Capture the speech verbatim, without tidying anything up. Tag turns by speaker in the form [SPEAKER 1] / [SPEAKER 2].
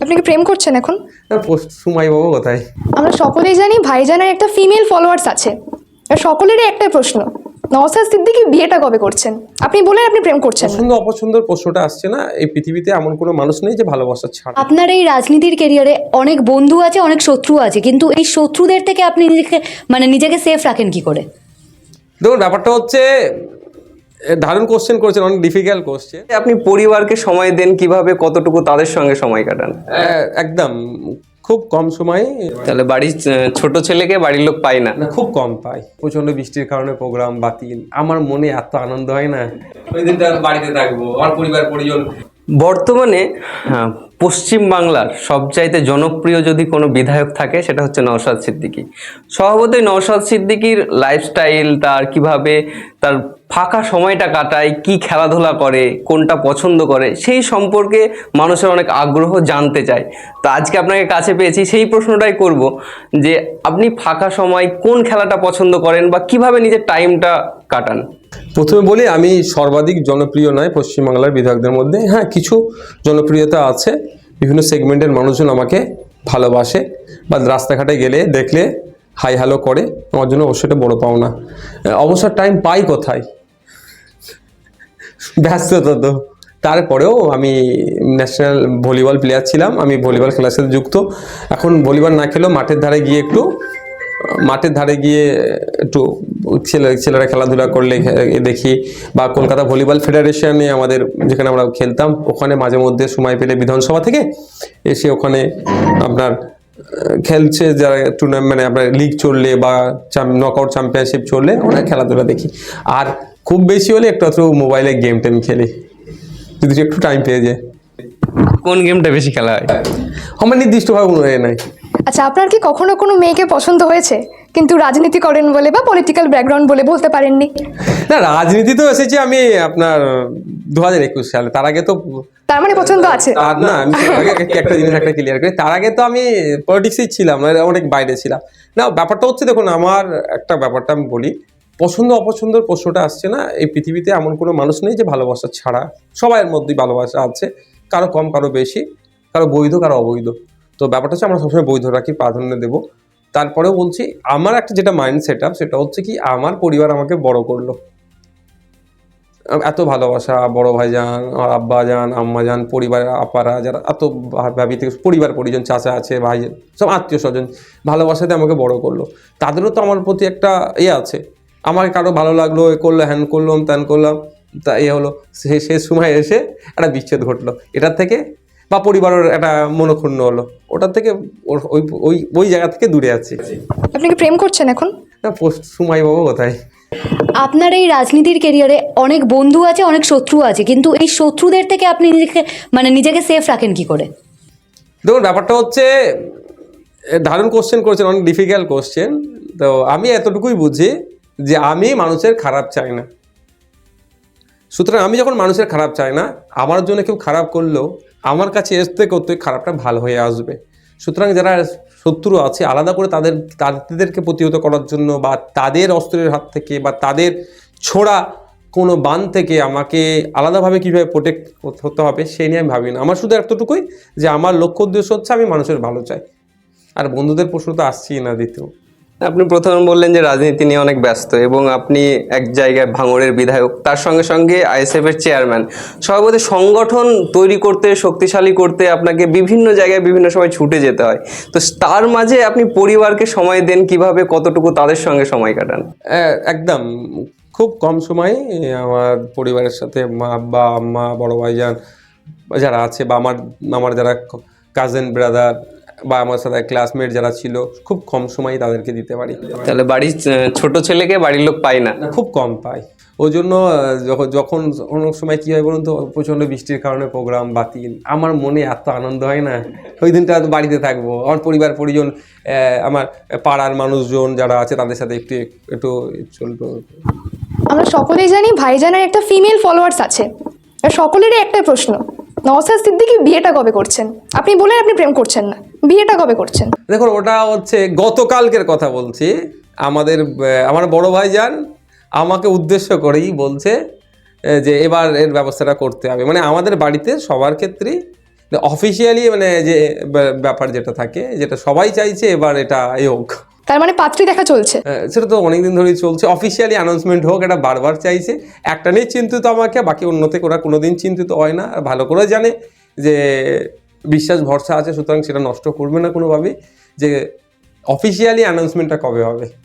[SPEAKER 1] আপনি কি প্রেম করছেন এখন?
[SPEAKER 2] সময় বাবু কোথায়?
[SPEAKER 1] আমরা সকলেই জানি ভাইজানের একটা ফিমেল ফলোয়ার্স আছে। আর সকলেরই একটাই প্রশ্ন, নওশাদ সিদ্দিকী বিয়েটা কবে করছেন? আপনি বলেন আপনি প্রেম করছেন না।
[SPEAKER 2] পছন্দ অপছন্দের প্রশ্নটা আসছে না। এই পৃথিবীতে এমন কোনো মানুষ নেই যে ভালোবাসা ছাড়া।
[SPEAKER 3] আপনার এই রাজনীতির ক্যারিয়ারে অনেক বন্ধু আছে, অনেক শত্রু আছে, কিন্তু এই শত্রুদের থেকে আপনি নিজেকে মানে নিজেকে সেফ রাখেন কি করে?
[SPEAKER 2] দেখুন, ব্যাপারটা হচ্ছে দারুণ কোশ্চেন করেছেন, অনেক ডিফিকাল্ট কোশ্চেন।
[SPEAKER 4] আপনি পরিবারকে সময় দেন কিভাবে, কতটুকু তাদের সঙ্গে সময় কাটান?
[SPEAKER 2] একদম খুব কম সময়ে।
[SPEAKER 4] তাহলে বাড়ির আহ, ছোট ছেলেকে বাড়ির লোক পায় না?
[SPEAKER 2] না, খুব কম পাই। প্রচন্ড বৃষ্টির কারণে প্রোগ্রাম বাতিল। আমার মনে এত আনন্দ হয় না, ওই দিনটা বাড়িতে থাকবো, আমার পরিবার পরিজন।
[SPEAKER 4] বর্তমানে হ্যাঁ, পশ্চিম বাংলার সবচাইতে জনপ্রিয় যদি কোনো বিধায়ক থাকে সেটা হচ্ছে নওশাদ সিদ্দিকী। স্বভাবতই নওশাদ সিদ্দিকীর লাইফস্টাইল, তার কিভাবে তার ফাঁকা সময়টা কাটায়, কি খেলাধুলা করে, কোনটা পছন্দ করে, সেই সম্পর্কে মানুষের অনেক আগ্রহ জানতে চায়। তো আজকে আপনাকে কাছে পেয়েছি, সেই প্রশ্নটাই করব যে আপনি ফাঁকা সময় কোন খেলাটা পছন্দ করেন বা কিভাবে নিজের টাইমটা কাটান?
[SPEAKER 2] প্রথমে বলি, আমি সর্বাধিক জনপ্রিয় নয় পশ্চিমবাংলার বিধায়কদের মধ্যে। হ্যাঁ, কিছু জনপ্রিয়তা আছে, বিভিন্ন সেগমেন্টের মানুষজন আমাকে ভালোবাসে বা রাস্তাঘাটে গেলে দেখলে হাই হ্যালো করে, আমার জন্য অবশ্যই বড় পাওনা। অবসর টাইম পাই কোথায়? ব্যস্ততা তো। তারপরেও আমি ন্যাশনাল ভলিবল প্লেয়ার ছিলাম, আমি ভলিবল খেলার সাথে যুক্ত। এখন ভলিবল না খেলেও মাঠের ধারে গিয়ে একটু মাঠের ধারে গিয়ে একটু ছেলে ছেলেরা খেলাধুলা করলে দেখি, বা কলকাতা ভলিবল ফেডারেশনে আমাদের যেখানে আমরা খেলতাম, ওখানে মাঝে মধ্যে সময় পেলে বিধানসভা থেকে এসে ওখানে আপনার খেলছে যারা টুর্নামেন্ট, মানে আপনার লিগ চললে বা নকআউট চ্যাম্পিয়নশিপ চললে ওরা খেলাধুলা দেখি। আর খুব বেশি হলে একটু একটু মোবাইলে গেম টেম খেলি, যদি একটু টাইম পেয়ে যায়।
[SPEAKER 4] কোন গেমটা বেশি খেলা হয়?
[SPEAKER 2] আমার নির্দিষ্টভাবে মনে হয় নাই।
[SPEAKER 1] আচ্ছা, আপনার কি কখনো কোনো মেয়েকে পছন্দ হয়েছে কিন্তু রাজনীতি করেন বলে বা পলিটিক্যাল ব্যাকগ্রাউন্ড বলে বলতে পারেননি?
[SPEAKER 2] না, রাজনীতি তো এসেছি আমি আপনার দু হাজার একুশ সালে। তার আগে তো
[SPEAKER 1] তার মানে পছন্দ আছে?
[SPEAKER 2] আর না, আমি আগে একটা জিনিস একটা ক্লিয়ার করি, তার আগে তো আমি পলিটিক্সেই ছিলাম, অনেক বাইরে ছিলাম। না, ব্যাপারটা হচ্ছে, দেখুন আমার একটা ব্যাপারটা আমি বলি, পছন্দ অপছন্দের প্রশ্নটা আসছে না। এই পৃথিবীতে এমন কোনো মানুষ নেই যে ভালোবাসা ছাড়া। সবাইয়ের মধ্যেই ভালোবাসা আছে, কারো কম কারো বেশি, কারো বৈধ কারো অবৈধ। তো ব্যাপারটা হচ্ছে আমরা সবসময় বৈধ রাখি, প্রাধান্য দেবো। তারপরেও বলছি, আমার একটা যেটা মাইন্ড সেট আপ, সেটা হচ্ছে কি, আমার পরিবার আমাকে বড় করলো, এত ভালোবাসা, বড় ভাইজান, আমার আব্বা যান, আম্মা যান, পরিবারের আপারা যারা এত ভাবি থেকে পরিবার পরিজন, চাচা আছে, ভাই, সব আত্মীয় স্বজন ভালোবাসাতে আমাকে বড় করলো। তাদেরও তো আমার প্রতি একটা ইয়ে আছে। আমাকে কারো ভালো লাগলো, এ করলো, হ্যান করলাম, ত্যান করলাম, তা এ হলো, সে শেষ সময় এসে একটা বিচ্ছেদ ঘটলো এটার থেকে, বা পরিবারের একটা মনোক্ষুণ্ণ হলো, ওটার থেকে ওই ওই ওই জায়গা থেকে দূরে আছি।
[SPEAKER 1] আপনি কি প্রেম করছেন এখন?
[SPEAKER 2] না, সময় বাবু কোথায়?
[SPEAKER 3] আপনার এই রাজনীতির ক্যারিয়ারে অনেক বন্ধু আছে, অনেক শত্রু আছে, কিন্তু এই শত্রুদের থেকে আপনি নিজেকে মানে নিজেকে সেফ রাখেন কি করে?
[SPEAKER 2] দেখুন, ব্যাপারটা হচ্ছে দারুণ কোশ্চেন করেছেন, অনেক ডিফিকাল্ট কোশ্চেন। তো আমি এতটুকুই বুঝি যে আমি মানুষের খারাপ চাই না। সুতরাং আমি যখন মানুষের খারাপ চাই না, আমার জন্য কেউ খারাপ করলেও আমার কাছে আসতে করতে খারাপটা ভালো হয়ে আসবে। সুতরাং যারা শত্রু আছে, আলাদা করে তাদের তাদেরকে প্রতিহত করার জন্য, বা তাদের অস্ত্রের হাত থেকে বা তাদের ছোড়া কোনো বান থেকে আমাকে আলাদাভাবে কীভাবে প্রোটেক্ট হতে হবে সেই নিয়ে আমি ভাবি না। আমার শুধু এতটুকুই যে আমার লক্ষ্য উদ্দেশ্য হচ্ছে আমি মানুষের ভালো চাই। আর বন্ধুদের প্রশ্ন তো আসছেই না দ্বিতীয়।
[SPEAKER 4] আপনি প্রথমে বললেন যে রাজনীতি নিয়ে অনেক ব্যস্ত এবং আপনি এক জায়গায় ভাঙড়ের বিধায়ক, তার সঙ্গে সঙ্গে আইএসএফ এর চেয়ারম্যান। সভাপতি সংগঠন তৈরি করতে, শক্তিশালী করতে আপনাকে বিভিন্ন জায়গায় বিভিন্ন সময় ছুটে যেতে হয়। তো তার মাঝে আপনি পরিবারকে সময় দেন কিভাবে, কতটুকু তাদের সঙ্গে সময় কাটান?
[SPEAKER 2] একদম খুব কম সময়ে আমার পরিবারের সাথে, মা, আব্বা, আম্মা, বড় ভাইজান যারা আছে, বা আমার আমার যারা কাজিন ব্রাদার বা আমার সাথে ক্লাসমেট যারা ছিল, খুব কম সময়ই তাদেরকে দিতে পারি।
[SPEAKER 4] তাহলে বাড়ির আহ, ছোট ছেলেকে বাড়ির লোক পায় না?
[SPEAKER 2] খুব কম পাই। ওই জন্য যখন যখন অনেক সময় কী হয় বলুন তো, প্রচণ্ড বৃষ্টির কারণে প্রোগ্রাম বাতিল, আমার মনে এত আনন্দ হয় না, ওই দিনটা বাড়িতে থাকবো, আমার পরিবার পরিজন, আমার পাড়ার মানুষজন যারা আছে তাদের সাথে একটু একটু চলতো।
[SPEAKER 1] আমরা সকলেই জানি ভাইজানের একটা ফিমেল ফলোয়ার্স আছে। আর সকলেরই একটাই প্রশ্ন, নওশাদ সিদ্দিকী বিয়েটা কবে করছেন? আপনি বলেন আপনি প্রেম করছেন না, বিয়েটা কবে করছেন?
[SPEAKER 2] দেখুন, ওটা হচ্ছে গতকালকের কথা বলছি। আমাদের আমার বড় ভাইজান আমাকে উদ্দেশ্য করেই বলছে যে এবার এর ব্যবস্থাটা করতে হবে। মানে আমাদের বাড়িতে সবার ক্ষেত্রেই অফিসিয়ালি মানে যে ব্যা- ব্যাপার যেটা থাকে, যেটা সবাই চাইছে এবার এটা এ হোক,
[SPEAKER 1] তার মানে পাত্রী দেখা চলছে।
[SPEAKER 2] আহ, সেটা তো অনেকদিন ধরেই চলছে। অফিসিয়ালি অ্যানাউন্সমেন্ট হোক, এটা বারবার চাইছে। একটা নিয়ে চিন্তিত আমাকে, বাকি অন্যতে ওরা কোনোদিন চিন্তিত হয় না, আর ভালো করে জানে যে বিশ্বাস ভরসা আছে, সুতরাং সেটা নষ্ট করবে না কোনোভাবেই, যে অফিসিয়ালি অ্যানাউন্সমেন্টটা কবে হবে।